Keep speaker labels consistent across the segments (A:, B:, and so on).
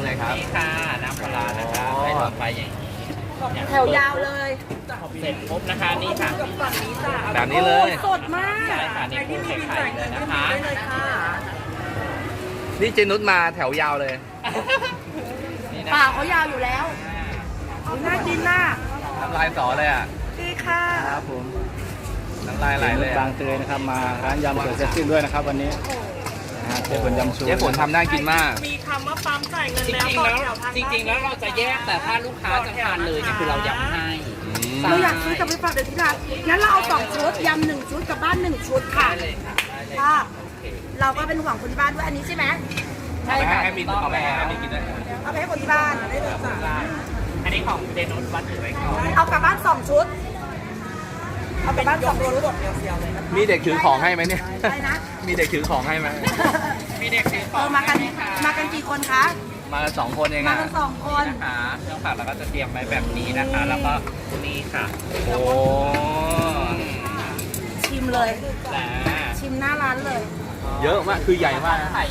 A: เลยครับ
B: นี่ค่ะน้ำปลาร้านะคะให้หลอดไฟอย่างนี้
C: แถวยาวเลย
B: เสร็จปุ๊บนะคะนี่ค่ะ
A: แบบนี้เลย
C: สดมาก
B: ใช่ค่ะนี่ปูไข่เลยนะคะ
A: นี่เจนุชมาแถวยาวเลย
B: นี่นะ
C: ปากเขายาวอยู่แล้วน่ากินน่ะ
A: น้ำลายสอเลยอ่ะ
C: ดีค่ะ
D: ครับผม
A: น้ำลายไหลเลย
D: บางเตยนะครับมาร้านยำสวยเซ็กซี่ด้วยนะครับวันนี้นะฮะเจ๊ฝนยำชู
A: เจ๊ฝนทำน่ากินมาก
E: มีคำว่าปั๊มจ่ายเงิน
B: จ
E: แล้ว
B: ริง
E: ต่
B: ๆ
E: อ
B: แล้ว
E: แถวทาง
B: จริงๆแล้วเราจะแยกแต่ถ้าลูกค้าจะทานเลยเนี่ยคือเรายำให้
C: เราอยากซื้อกลับไปฝากเด็กที่ร้านงั้นเราเอา2 ชุดยำ1 ชุดกลับบ้าน1 ชุดค่ะ
B: ได้เลยค่ะได้เลย
C: ค่ะ
B: โอเค
C: เราก็เป็นห่วงคนที่บ้านด้วยอันนี้ใช่ไหม
B: ใช่ค่ะ
A: ให้มินเอาไปให้มินกินด้วย
C: เอาไปให้คนที่บ้าน
B: อันนี้ของเจนุชวัดถือไว้ก่อน
C: เอากลับบ้าน2 ชุดเอากลับบ้าน2 ชุด
A: มีเด็กถือของให้ไหมเนี่ย
C: อะไรนะ
A: มีเด็กถือของให้ไหม
B: มีเด็กซื้อข
C: เอ
B: อง
C: อมากัน
B: ให้ไหคะ
C: มากันกี่คนคะ
A: มากัน2 คนเอง
C: มา
A: อ่ะ
C: กัน2 คน
B: นะคะเครื่องผักเราก็จะเตรียมไว้แบบนี้นะคะ แล้วก็นี่ค่ะ
A: โอ้
C: ชิมเลย
B: และ
C: ชิมหน้าร้านเลย
A: เยอะมากคือใหญ่มากนะ
B: ไข่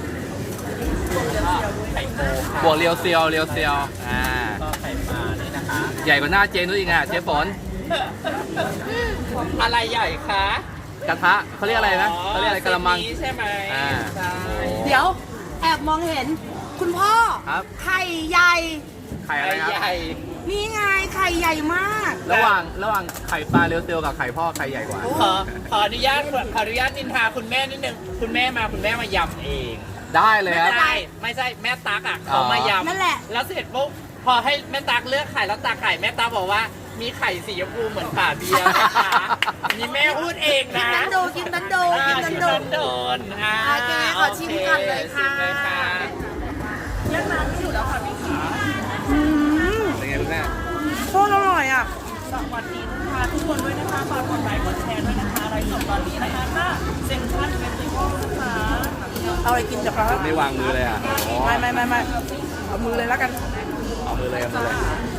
B: ไข่ปู
A: บวกเรียวเซียวเรียวเซียว
B: ก็ไข่ปลานี่นะคะ
A: ใหญ่กว่าหน้าเจนุชอีกอ่ะเจ๊ฝน
B: อะไรใหญ่คะ
A: กระทะเขาเรียกอะไรนะเขาเรียกอะไรกระมัง
B: เซตนี้ใช่ไหม
A: อ่า
B: ใช่
C: เดี๋ยวแอบมองเห็น คุณพ่อ
A: ครับ
C: ไข่ใหญ่
A: ไข่อะไรครับ
B: ใหญ่
C: นี่ไงไข่ใหญ่มาก
A: ระหว่างไข่ปลาเรียวเซียวกับไข่พ่อไข่ใหญ่กว่า
B: ขออนุญาตนินทาคุณแม่นิดนึงคุณแม่มายำเอง
A: ได้เลยครับ
B: ไม่ใช่แม่ตักอ่ะเขามายำ
C: นั่นแหละ
B: แล้วเสร็จปุ๊บพอให้แม่ตักเลือกไข่แล้วตักไข่แม่ตักบอกว่ามีไข่สีชมพูเหมือนฝาเบียร์นะคะนี่แม่พูดเอง
C: กิน
B: นะ
C: นันโดกินนันโดกินนันโด
B: โดนอ่า
C: โอเคขอชิมก่อนเลยค่ะ
B: ชิมเลยค่ะ
C: อืม
A: เป็นไงคุณแม่
C: โคตรอร่อยอ่ะ
E: สวัสดีค่ะทุกคนด้วยนะคะฝากกดไลค์กดแชร์ด้วยนะคะไลฟ์สดตอนนี้นะคะถ้าเซ็นทรัลเฟสติวัลนะคะ
C: เอาอะไรกินจ้ะครับ
A: ไม่วางมือเลยอ่ะอ๋อ
C: ไม่เอามือเลยแล้วกัน
A: เอามือเลยเอามือเลย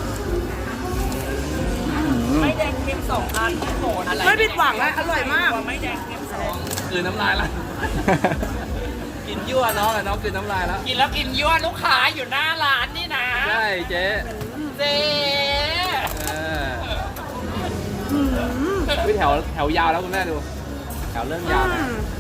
E: ไม่แดงเค็ม2 อันที่โหนอะไร
C: ไม่ผิดหวังอะอร่อยมาก
E: ไม่แดงเค็ม2
A: คือน้ำลายละกินยั่วน้องอะน้องคือน้ำลายแล้ว
B: กินแล้วกินยั่วลูกค้าอยู่หน้าร้านนี่นะ
A: ใช่เจ๊
B: เจ๊
A: เออวิแถวยาวแล้วคุณแม่ดู แถวเริ่มยาวนะ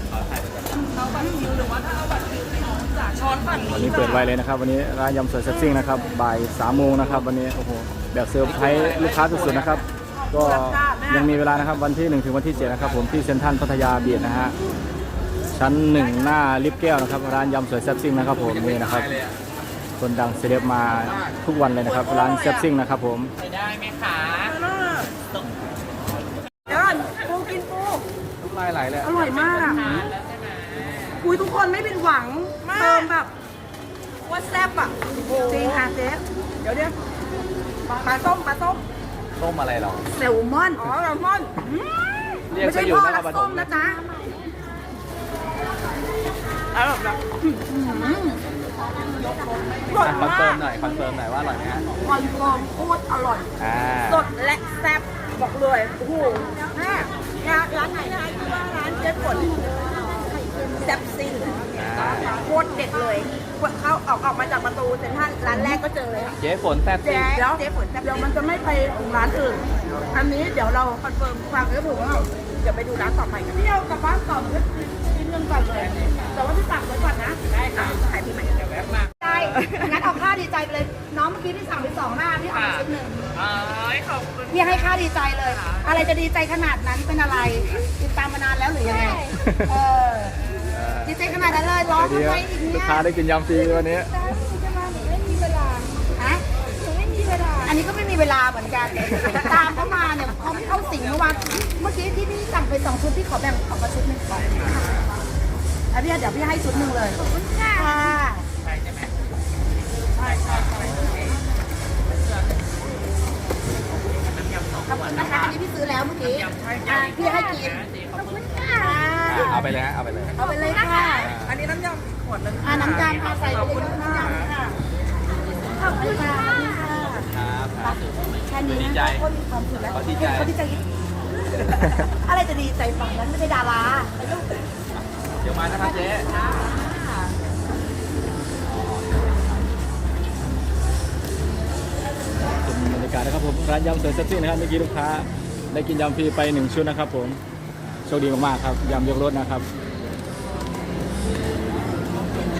E: ช้อนปั่น
D: วันนี้เปิดไวเลยนะครับวันนี้ร้านยำสวยเซ็กซี่นะครับบ่าย3 โมงนะครับวันนี้โอ้โหแบบเซอร์ไพรส์ลูกค้าสุดๆนะครับก็ยังมีเวลานะครับวันที่1ถึงวันที่7นะครับผมที่เซ็นทรัลพัทยาบีชนะฮะชั้น 1 หน้าลิฟต์แก้วนะครับร้านยำสวยเซ็กซี่นะครับผมนี่นะครับคนดังเซเลบมาทุกวันเลยนะครับร้านเซ็กซี่นะครับผม
B: ไปได้ไหมคะ
C: เดี๋ยวก่อนปูกินปู
A: น้ำลายไหลเลย
C: อร่อยมากอ่ะคุยทุกคนไม่ผิดหวังเติมแบบว่าแซ่บอ่ะจริงค่ะเจ๊เดี๋ยวปลาส้ม
A: ต้มอะไรหรอ
C: แซลมอนอ๋อแซลมอน
A: เรียก
C: ไม่
A: ไป
C: ใช่
A: อยู่
C: พ่อน
A: ค
C: รั
A: ร
C: ก
A: ปฐ
C: ส้
A: ม
C: ม
A: เล
C: นะ
A: ย
C: จ๊ะอร่อยแบบอร่อย
A: คอนเฟิ
C: มา
A: ร์
C: ก
A: มหน่อยคอนเฟิร์มหน่อยว่าอร่อยไหมฮะ
C: คอนเฟิร์มโคตรอร่อย
A: อ่า
C: สดและแซ่บบอกเลยโอ้โหแม่ร้านไหนนะชื่อว่าร้านเจ๊ฝนแซ่บซิ่งโคตรเด็ดเลยเขาออกมาจากประตูเซ็นทรัลร้านแรกก็เจอเลยค่ะ
A: เจ๊ฝนแซ่บจริง
C: เดี๋ยวเดี๋ยวมันจะไม่ไปร้านอื่น อันนี้เดี๋ยวเราคอนเฟิร์มฟังแล้วถูกว่าเดี๋ยวไปดูร้านต่อไปกันพี่เอากลับบ้านก่อนก็กินเงินก่อนเลย แต่ว่าที่สั่งไว้ก่อนนะ ได้ค่ะขายปีใหม่เดี๋ยวแวะมาได้งั้นเอาค่าดีใจไปเลย น้องเมื่อกี้ที่สั่งไป2 หน้าพี่เอาไปชุดหนึ่ง
B: ขอบคุณ
C: พี่ให้ค่าดีใจเลย อะไรจะดีใจขนาดนั้นเป็นอะไร ติดตามมานานแล้วหรือยังไง เออ ดีใจขนาดนั้นเลยร้อง
D: ดี
C: ทำ
D: ค
C: ไม
D: รับ
C: อีก
D: ลูก
C: เนี่ย
D: ค้าได้กินยำฟรีวันนี้
C: จะมาหนูไม่มีเวลาฮะหนูไม่มีเวลา อันนี้ก็ไม่มีเวลาเหมือนกัน ตามเขามาเนี่ยเขาไม่เข้าสิงเมื่อวานเมื่อกี้ที่พี่สั่งไป2 ชุดพี่ขอแบ่งออกมาชุดหนึ่งก่อนแล้วพี่เดี๋ยวพี่ให้ชุดหนึ่งเลยขอบคุณค่ะขอบคุณนะคะ อันนี้พี่ซื้อแล้วเมื่อกี้พี่ให้กินขอบคุณค่ะ
A: เอาไปเลยฮะเอาไปเลย
C: เอาไปเลยค่ะ
E: อันนี้น้ำยำขวดนึง
C: น้ำยำค่ะใส่ไปเลยน้ำยำค่ะขอบคุณค่ะ
A: ครับ
C: แค่นี้นะก็มีความสุขแล้ว
A: เขาดีใจ
C: เขาดีใจอะไรจะดีใจฝั่งนั้นไม่ใช่ดารา
A: เดี๋ยวมานะครับเจ๊
D: ผมร้านยำสวยเซ็กซี่นะครับเมื่อกี้ลูกค้าได้กินยำฟรีไป1ชุดนะครับผมโชคดีมากๆครับยำยกรสนะครับ